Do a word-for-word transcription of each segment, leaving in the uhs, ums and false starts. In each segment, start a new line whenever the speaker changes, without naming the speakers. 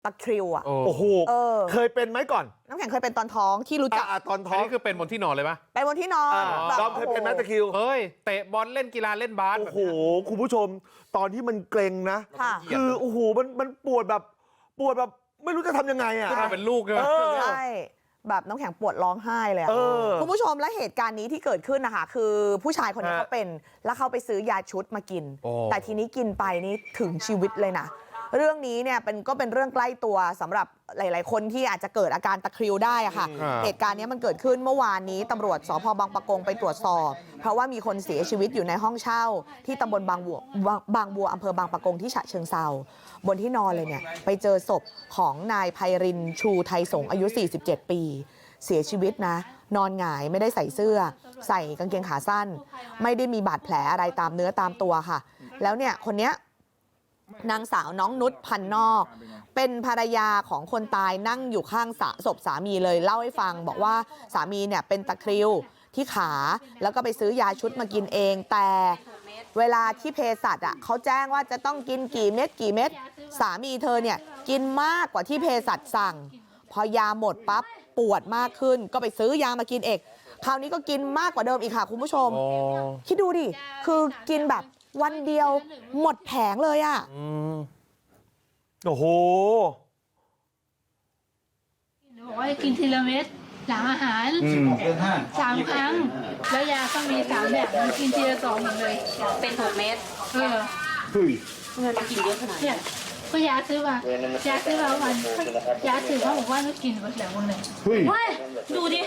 ตะคริวอ่ะ
โอ้โหเคยเป็นไหมก่อน
น้ำแข็งเคยเป็นตอนท้องที่รู้จัก
ตอนท้อง
นี่คือเป็นบนที่นอนเลยปะ
เป็นบนที่นอน
ดอมเคยเป็นไหมตะคริว
เฮ้ยเตะบอลเล่นกีฬาเล่นบาส
โอ้โหคุณผู้ชมตอนที่มันเกร็งนะคือโอ้โหมันมันปวดแบบปวดแบบไม่รู้จะทำยังไงอ่ะ
เป็นลูกเลย
ใช่แบบน้ำแข็งปวดร้องไห้เลยคุณผู้ชมและเหตุการณ์นี้ที่เกิดขึ้นนะคะคือผู้ชายคนนี้เขาเป็นแล้วเขาไปซื้อยาชุดมากินแต่ทีนี้กินไปนี่ถึงชีวิตเลยนะเรื่องนี้เนี่ยเป็นก็เป็นเรื่องใกล้ตัวสำหรับหลายๆคนที่อาจจะเกิดอาการตะคริวได้อะค่ะเหตุการณ์นี้มันเกิดขึ้นเมื่อวานนี้ตำรวจสภ.บางปะกงไปตรวจสอบเพราะว่ามีคนเสียชีวิตอยู่ในห้องเช่าที่ตำบลบางบัวบางบัวอำเภอบางปะกงที่ฉะเชิงเทราบนที่นอนเลยเนี่ยไปเจอศพของนายไพรินทร์ชูไทยสงฆ์อายุสี่สิบเจ็ดปีเสียชีวิตนะนอนหงายไม่ได้ใส่เสื้อใส่กางเกงขาสั้นไม่ได้มีบาดแผลอะไรตามเนื้อตามตัวค่ะแล้วเนี่ยคนเนี้ยนางสาวน้องนุชพันนอกเป็นภรรยาของคนตายนั่งอยู่ข้างศพสามีเลยเล่าให้ฟังบอกว่าสามีเนี่ยเป็นตะคริวที่ขาแล้วก็ไปซื้อยาชุดมากินเองแต่เวลาที่เภสัชอ่ะเขาแจ้งว่าจะต้องกินกี่เม็ดกี่เม็ดสามีเธอเนี่ยกินมากกว่าที่เภสัชสั่งพอยาหมดปั๊บปวดมากขึ้นก็ไปซื้อยามากินเองคราวนี้ก็กินมากกว่าเดิมอีกค่ะคุณผู้ชมคิดดูดิคือกินแบบวันเดียวหมดแผงเลยอ่ะ
โอ้โห
บอกว่ากินทีละเม็ดหลังอาหารสามครั้งแล้วยาก็มีสามแบบมันกินทีละสองหมดเลย
เป็นหกเม็ด
เออ
เงินกินเยอะขนาดนี้
ก็ยาซื้อมายาซื้อมาวันยาซื้อเขาบอกว่าไม่กินหมดแล้ววันหนึ่ง
เฮ้ยดูดิ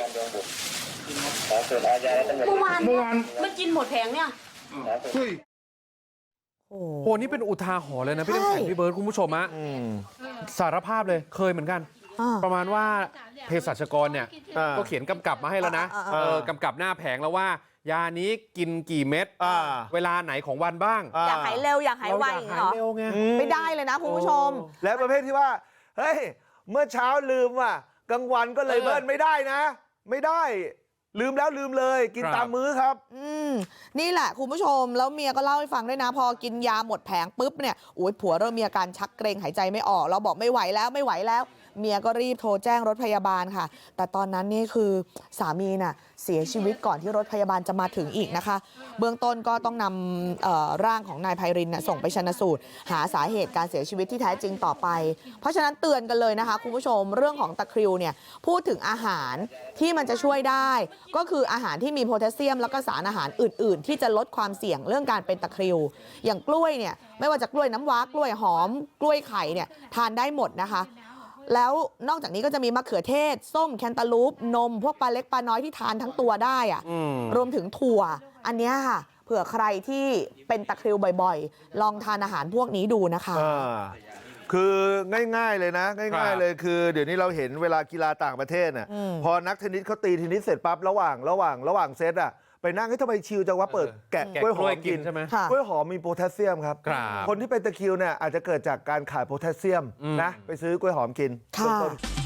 เมื่อวานเมื่อวานมันกินหมดแผงเนี่ย
เฮ้ยโอ้โหนี่เป็นอุทาหรณ์เลยนะพี่น้ำแข็งพี่เบิร์ดคุณผู้ชมอะสารภาพเลยเคยเหมือนกันประมาณว่าเภสัชกรเนี่ยก็เขียนกำกับมาให้แล้วนะกำกับหน้าแผงแล้วว่ายานี้กินกี่เม็ดเวลาไหนของวันบ้าง
อยากหายเร็วอยากหายไวเหรอไม่ได้เลยนะคุณผู้ชม
แล้วประเภทที่ว่าเฮ้ยเมื่อเช้าลืมว่ะกลางวันก็เลยเบิ้ลไม่ได้นะไม่ได้ลืมแล้วลืมเลยกินตามมื้อครับ
อืมนี่แหละคุณผู้ชมแล้วเมียก็เล่าให้ฟังด้วยนะพอกินยาหมดแผงปุ๊บเนี่ยโอ้ยผัวเริ่มมีอาการชักเกร็งหายใจไม่ออกเราบอกไม่ไหวแล้วไม่ไหวแล้วเมียก็รีบโทรแจ้งรถพยาบาลค่ะแต่ตอนนั้นนี่คือสามีน่ะเสียชีวิตก่อนที่รถพยาบาลจะมาถึงอีกนะคะเบื้องต้นก็ต้องนำร่างของนายไพรินทร์ส่งไปชันสูตรหาสาเหตุการเสียชีวิตที่แท้จริงต่อไปเพราะฉะนั้นเตือนกันเลยนะคะคุณผู้ชมเรื่องของตะคริวเนี่ยพูดถึงอาหารที่มันจะช่วยได้ก็คืออาหารที่มีโพแทสเซียมแล้วก็สารอาหารอื่นๆที่จะลดความเสี่ยงเรื่องการเป็นตะคริวอย่างกล้วยเนี่ยไม่ว่าจะกล้วยน้ำว้ากล้วยหอมกล้วยไข่เนี่ยทานได้หมดนะคะแล้วนอกจากนี้ก็จะมีมะเขือเทศส้มแคนตาลูปนมพวกปลาเล็กปลาน้อยที่ทานทั้งตัวได้อะรวมถึงถั่วอันนี้ค่ะเผื่อใครที่เป็นตะคริวบ่อยๆลองทานอาหารพวกนี้ดูนะคะ
คือง่ายๆเลยนะง่ายๆเลยคือเดี๋ยวนี้เราเห็นเวลากีฬาต่างประเทศน่ะพอนักเทนนิสเขาตีเทนนิสเสร็จปั๊บระหว่างระหว่างระหว่างเซตอ่ะไปนั่งให้ทำไมชิลจังวะเปิดแกะกล้วยหอมกินใช่ไหมกล้วยหอมมีโพแทสเซียมครับคนที่เป็นตะคริวเนี่ยอาจจะเกิดจากการขาดโพแทสเซียมนะไปซื้อกล้วยหอมกิน